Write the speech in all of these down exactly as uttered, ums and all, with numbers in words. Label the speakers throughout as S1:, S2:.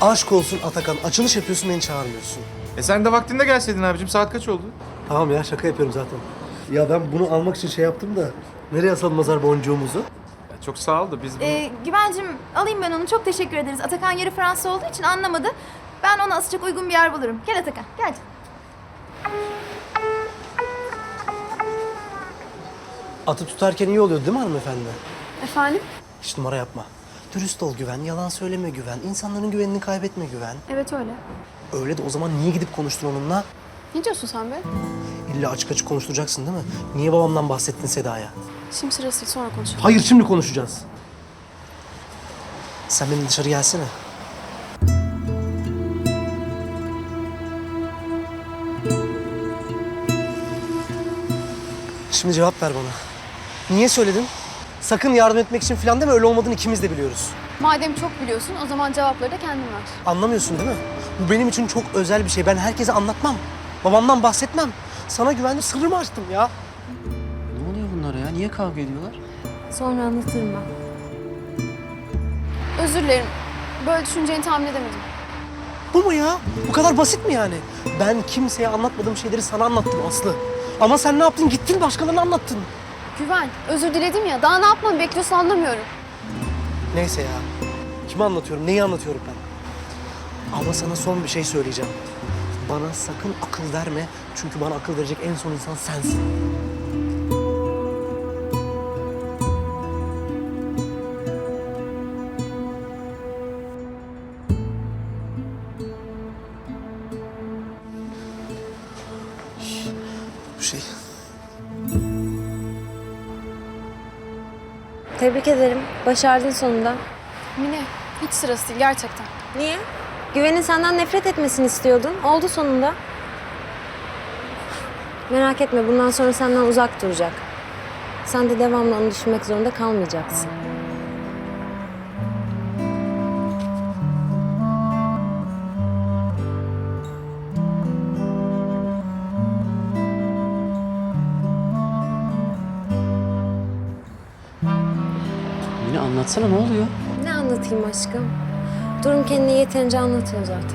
S1: Aşk olsun Atakan. Açılış yapıyorsun, beni çağırmıyorsun.
S2: E sen de vaktinde gelseydin abicim. Saat kaç oldu?
S1: Tamam ya, şaka yapıyorum zaten. Ya ben bunu almak için şey yaptım da... Nereye asalım nazar boncuğumuzu?
S2: Ya çok sağ ol da biz bunu...
S3: Ee, Güvencim alayım ben onu. Çok teşekkür ederiz. Atakan yarı Fransız olduğu için anlamadı. Ben ona asacak uygun bir yer bulurum. Gel Atakan, gel.
S1: Atı tutarken iyi oluyor değil mi hanımefendi?
S3: Efendim?
S1: Hiç numara yapma. Dürüst ol Güven, yalan söyleme Güven. İnsanların güvenini kaybetme Güven.
S3: Evet öyle.
S1: Öyle de o zaman niye gidip konuştun onunla?
S3: Ne diyorsun sen be?
S1: İlla açık açık konuşturacaksın değil mi? Niye babamdan bahsettin Seda'ya?
S3: Şimdi sırası değil, sonra konuşalım.
S1: Hayır, şimdi konuşacağız. Sen benim dışarı gelsene. Şimdi cevap ver bana. Niye söyledin? Sakın yardım etmek için falan deme, öyle olmadığını ikimiz de biliyoruz.
S3: Madem çok biliyorsun, o zaman cevapları da kendin ver.
S1: Anlamıyorsun değil mi? Bu benim için çok özel bir şey. Ben herkese anlatmam. Babamdan bahsetmem. Sana güvendim, sırrımı açtım ya.
S4: Ne oluyor bunlara ya? Niye kavga ediyorlar?
S3: Sonra anlatırım ben. Özür dilerim. Böyle düşüneceğini tahmin edemedim.
S1: Bu mu ya? Bu kadar basit mi yani? Ben kimseye anlatmadığım şeyleri sana anlattım Aslı. Ama sen ne yaptın? Gittin başkalarına anlattın.
S3: Güven, özür diledim ya. Daha ne yapmamı bekliyorsun anlamıyorum.
S1: Neyse ya. Kime anlatıyorum? Neyi anlatıyorum ben? Ama sana son bir şey söyleyeceğim. Bana sakın akıl verme. Çünkü bana akıl verecek en son insan sensin. Bu şey...
S5: Tebrik ederim. Başardın sonunda.
S3: Mine, hiç sırası değil gerçekten.
S5: Niye? Güven'in senden nefret etmesini istiyordun. Oldu sonunda. Merak etme, bundan sonra senden uzak duracak. Sen de devamlı onu düşünmek zorunda kalmayacaksın.
S4: Yine anlatsana, ne oluyor?
S5: Ne anlatayım aşkım? Durum kendini yeterince anlatıyor zaten.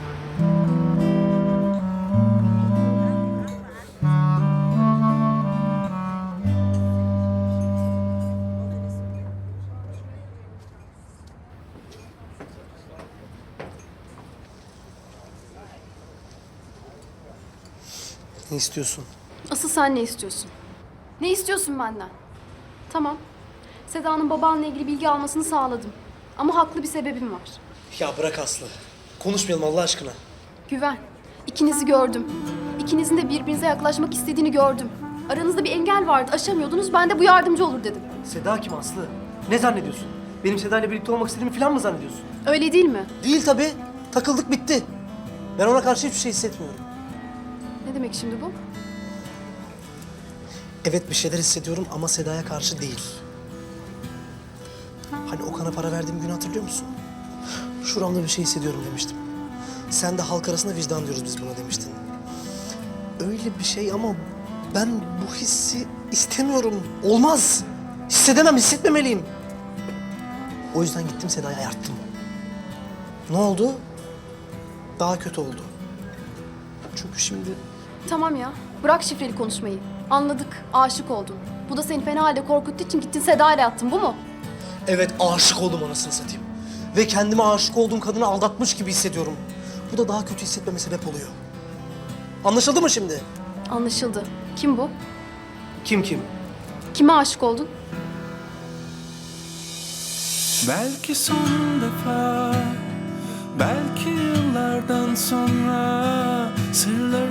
S1: Ne istiyorsun?
S3: Asıl sen ne istiyorsun? Ne istiyorsun benden? Tamam. Seda'nın babanla ilgili bilgi almasını sağladım. Ama haklı bir sebebim var.
S1: Ya bırak Aslı. Konuşmayalım Allah aşkına.
S3: Güven. İkinizi gördüm. İkinizin de birbirinize yaklaşmak istediğini gördüm. Aranızda bir engel vardı, aşamıyordunuz. Ben de bu yardımcı olur dedim.
S1: Seda kim Aslı? Ne zannediyorsun? Benim Seda ile birlikte olmak istediğimi falan mı zannediyorsun?
S3: Öyle değil mi?
S1: Değil tabii. Takıldık bitti. Ben ona karşı hiçbir şey hissetmiyorum.
S3: Ne demek şimdi bu?
S1: Evet bir şeyler hissediyorum ama Seda'ya karşı değil. Hani Okan'a para verdiğim günü hatırlıyor musun? Şuramda bir şey hissediyorum demiştim. Sen de halk arasında vicdan diyoruz biz buna demiştin. Öyle bir şey ama ben bu hissi istemiyorum. Olmaz. Hissedemem, hissetmemeliyim. O yüzden gittim Seda'yı ayarttım. Ne oldu? Daha kötü oldu. Çünkü şimdi...
S3: Tamam ya. Bırak şifreli konuşmayı. Anladık. Aşık oldun. Bu da seni fena halde korkuttuğu için gittin Seda ile yattın. Bu mu?
S1: Evet aşık oldum anasını satayım. Ve kendime aşık olduğum kadını aldatmış gibi hissediyorum. Bu da daha kötü hissetmeme sebep oluyor. Anlaşıldı mı şimdi?
S3: Anlaşıldı. Kim bu?
S1: Kim kim?
S3: Kime aşık oldun?
S6: Belki son defa, belki yıllardan sonra sırlar